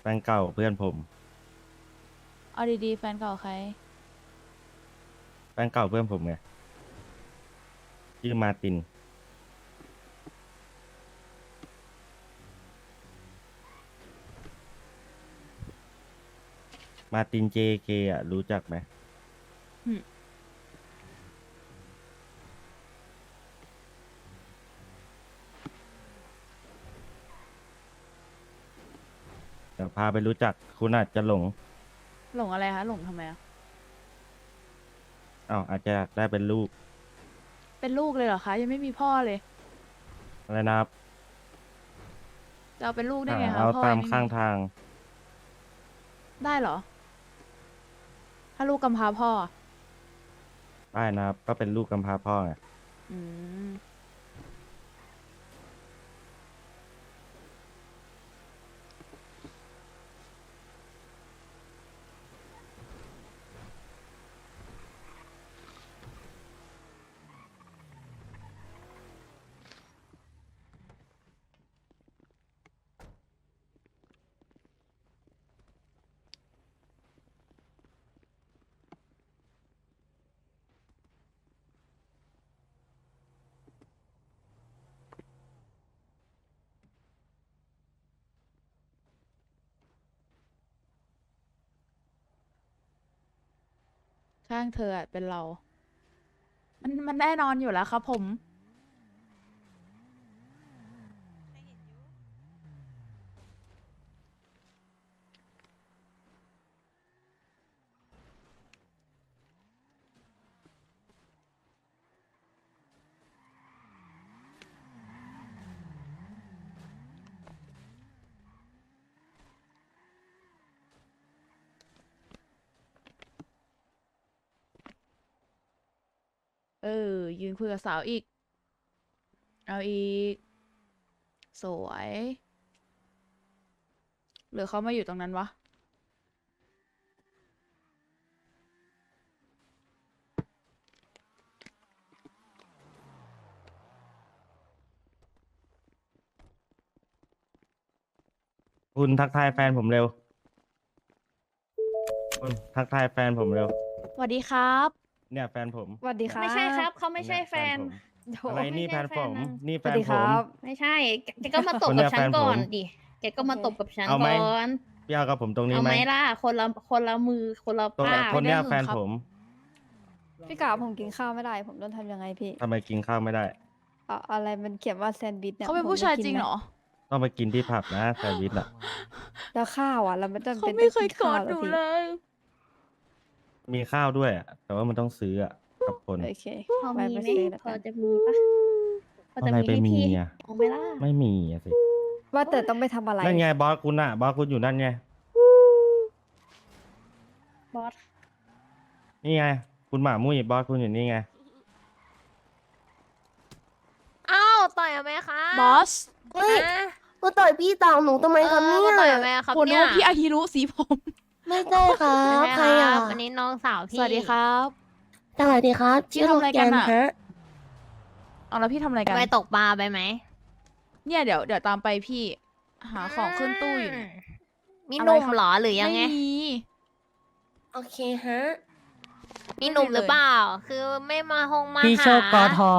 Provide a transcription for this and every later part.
แฟนเก่าเพื่อนผมเอาดีๆแฟนเก่าใครแฟนเก่าเพื่อนผมไงชื่อมาร์ตินมาร์ติน JK อ่ะรู้จักไหมหึเดี๋ยวพาไปรู้จักคุณอาจจะหลงหลงอะไรคะหลงทำไมอะอ้าวอาจจะอยากได้เป็นลูกเป็นลูกเลยเหรอคะยังไม่มีพ่อเลยอะไรนะครับจะเอาเป็นลูกได้หาไงคะเอาพ่อตายัมงไม่ข้างมีทางได้เหรอ ถ้าลูกกำพร้าพ่ออะได้นะครับ ก็เป็นลูกกำพร้าพ่อไงอืมข้างเธออะเป็นเรา มันแน่นอนอยู่แล้วครับผม เออ ยืนคุยกับสาวอีก เอาอีก สวย หรือเขามาอยู่ตรงนั้นวะคุณทักทายแฟนผมเร็ว คุณทักทายแฟนผมเร็วสวัสดีครับเนี่ยแฟนผมสวัสดีครับไม่ใช่ครับเขาไม่ใช่เนี่ยแฟนผมโถอะไรนี่ไม่แฟใช่นผมนะนี่สแฟวัสนดีผครัมบไม่ใช่แกก็มาตบคนเนี่กับยฉันแฟนผมก่อนดิแกก็มาโอเคตบกับฉันเอาไหมก่อนพี่เอากับผมตรงนี้เอาไหไหมมล่ะคนละมือคนละตรงภาพคนเนี้ยไม่ได้แฟนครับผมพี่กาผมกินข้าวไม่ได้ ผมต้องทำยังไงพี่ทำไมกินข้าวไม่ได้อะไรมันเขียนว่าแซนด์วิชเนี่ยเขาเป็นผมผู้จะชายกินจริงไมเหรอต้องไปกินที่ผับนะแซนด์วิชอ่ะแล้วข้าวอ่ะเราไม่ต้องเขาเป็นไม่เคยต้องกนอดข้าวหนูพี่เลยมีข้าวด้วยอ่ะ แต่ว่ามันต้องซื้ออ่ะกับคนโอเคพอไปมีไปไหมซื้อแล้วพอกันจะมีปะพอจะอะไรมีไปให้มีพี่อ่ะเอาไหมล่ะไม่มีอ่ะสิว่าแต่ต้องไปทำอะไรนั่นไงบอสคุณอ่ะ บอสคุณอยู่นั่นไงบอสนี่ไง คุณหมามุ้ยบอสคุณอยู่นี่ไงอ้าวต่อยไหมคะบอสเฮ้ยมาต่อยพี่ต่างหนูทำไมครับเนี่ยมาต่อยไหมครับโหนึกเนี่ยว่าพี่อาฮิรุสีผมไม่ใช่ครับไม่ใครใช่คอ่ะรับอันนี้น้องสาวพี่สวัสดีครับสวัสดีครับพี่ชื่อทำอะไรกันอะโลแฮะเอาแล้วพี่ทำอะไรกันไปตกปลาไปไหมเนี่ยเดี๋ยวตามไปพี่ หาของขึ้นตู้อยู่เนี่ยมีอะไรหนุ่มครับเหรอหรือยังไงไม่มีโอเคฮะมีหนุ่มไม่มีเลยหรือเปล่า คือไม่มาหงมาพี่หาโชคกอทอ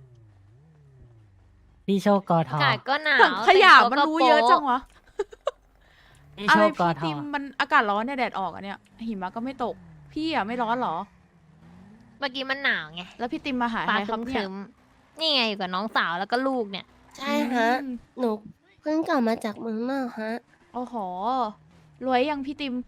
พี่โชคกอทออากาศก็หนาวถังขยะแต่งตัวมันก็รู้โป๊เยอะจังวะพี่อะโชไรคกอพี่ทอติมมันอากาศร้อนเนี่ยแดดออกอะเนี่ย หิมะก็ไม่ตก พี่อะไม่ร้อนเหรอเมื่อกี้มันหนาวไงแล้วพี่ติมมาหาฟ้าใครคครับเนี่รึยมๆนี่ไงอยู่กับน้องสาวแล้วก็ลูกเนี่ยใช่ฮะอืมหนูเพิ่งกลับมาจากเมืองนอกฮะโอ้โห รวยยังพี่ติม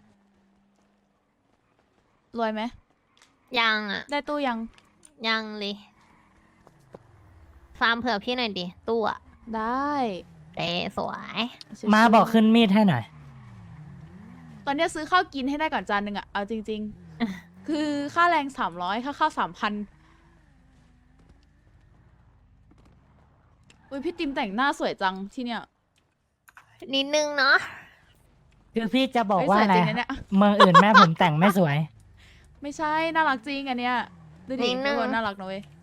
รวยไหมยังอ่ะได้ตู้ยังยังเลยฟาร์มเผื่อพี่หน่อยดิตู้อะได้เอ๊สวยชิวๆมาบอกขึ้นมีดให้หน่อยตอนเนี้ยซื้อข้าวกินให้ได้ก่อนจานหนึ่งอะเอาจริง ๆ คือค่าแรง300ค่าข้าว3,000อุ้ยพี่ติมแต่งหน้าสวยจังที่เนี่ยนิดนึงเนาะคือพี่จะบอกเฮ้ยว่าสวยอะไรจริงนะเนี่ยเมืองอื่นแม่ผมแต่งไม่สวยไม่ใช่ น่ารักจริงอันเนี้ย ดูดินิดนึทุกงคนน่ารักนะเว้ย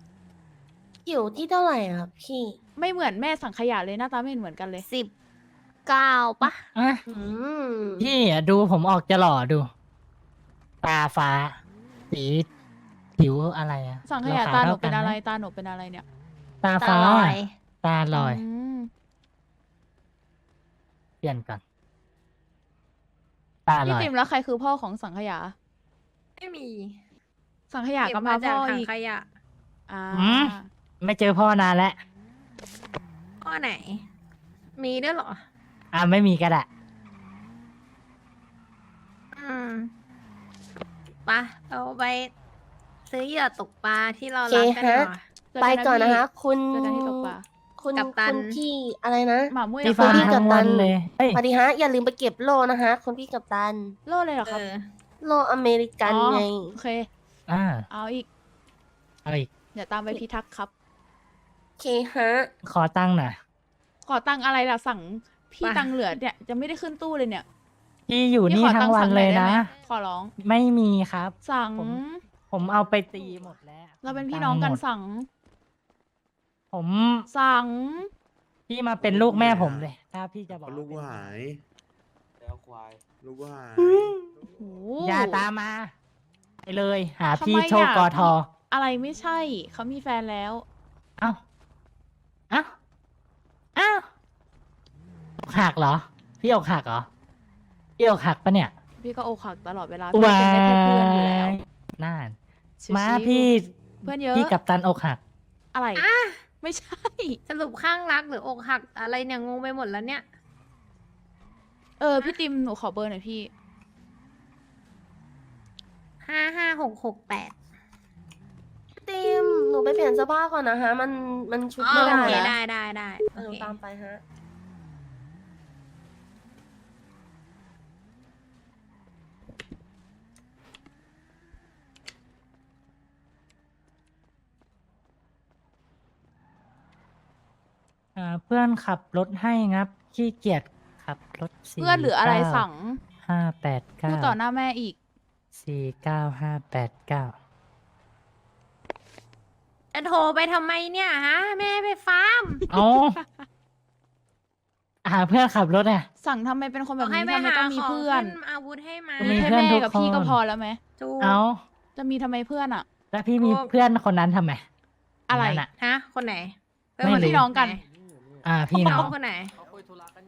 อยู่ที่เท่าไหร่ครับพี่ไม่เหมือนแม่สังขยาเลยหน้าตาไม่เห็นเหมือนกันเลย 10 9ปะอ่ะอืมพี่อะดูผมออกจะหล่อดู ตาฟ้า สีผิวอะไรอะสังขยารตาหนูท่เป็นกัอะไรหมตาหนูเป็นอะไรเนี่ยตาตาฟ้าลอยตาลอยมเปลี่ยนก่อน ตาลพี่อยติมแล้วใครคือพ่อของสังขยาไม่มีสังขยาเก็ก็บมามาจากพ่อถังอีกขยะอ่าอืม ไม่เจอพ่อนานแล้วข้อไหน มีด้วยเหรออ่ะไม่มีก็ได้อืมปะเราไปซื้อเหยื่อตกปลาที่เราโอเครักกันฮะดีกว่าเจอไปกัก่อนพี่นะคะ คุณเจอกันที่ตกปลาคุณกัปตันคุณพี่อะไรนะหมามุ้ยพี่อะฟ้าพี่ค่ะกัทั้ปงตัวัน นเลยเฮ้ยสวัสดีฮะ อย่าลืมไปเก็บโล่นะคะ คุณพี่กัปตันโล่เลยเหรอเอครับอโล่อเมริกันอ๋อไงโอเคอ่าเอาอีกเอาอีกเดี๋ยวตามไปพิทักษ์ครับโอเคฮะขอตั้งหน่อยขอตังค์อะไรล่ะสั่งพี่ไปตังค์เหลือเนี่ยจะไม่ได้ขึ้นตู้เลยเนี่ยพี่อยู่พี่นี่ขอทั้ตังค์วันสั่งหเลอยยได้นะไหมขอร้องไม่มีครับสั่งผมเอาไปตีหมดแล้วเราเป็นพี่น้องกันตัค์หมดสั่งผมสั่งพี่มาเป็นลูกแม่ผมเลย ถ้าพี่จะบอกลูกกูว่าหายแล้วควาย ลูกกูหายโอ้โหอย่าตามมา ไปเลย หาทำไมพี่โชคอ่ะกอทออะไรไม่ใช่ เขามีแฟนแล้วเอ้า เอ้า เอ้าอกหักเหรอ พี่อกหักเหรอ พี่อกหักปะเนี่ยพี่ก็อกหักตลอดเวลาพี่เป็นได้แค่เพื่อนอยู่แล้วน่านชิวๆมาพี่เพื่อนเยอะพี่กับตันอกหักอะไร ไม่ใช่สรุปข้างรักหรืออกหักอะไรเนี่ยงงไปหมดแล้วเนี่ยพี่ติมหนูขอเบอร์หน่อยพี่ 55668 ติม หนูไปเปลี่ยนเสื้อผ้าก่อนนะคะ มันชุดอ๋อไม่โอได้เคนะได้โอหนูเคตามไปฮะเพื่อนขับรถให้งับ ขี้เกียจขับรถเพื่อนหรืออะไรสั่ง 589 พูดต่อหน้าแม่อีก 49589 จะโทรไปทำไมเนี่ยฮะ แม่ไปฟาร์มเอาหาเพื่อนขับรถอ่ะสั่งทำไมเป็นคนบแบอก บให้นี้ไปทำไมหาต้องมีของเพื่อนขึ้นอาวุธให้มามีแค่เพื่อนแม่ทุกกับพี่คนก็พอแล้วไหมจูกเอาจะมีทำไมเพื่อนอะแล้วพี่มีเพื่อนคนนั้นทำไมอะไรคนนั้นอ่ะฮะ คนไหนไม่รู้คพี่น้องกันไหพี่น้องคนไหนเขาคุยธุระกัน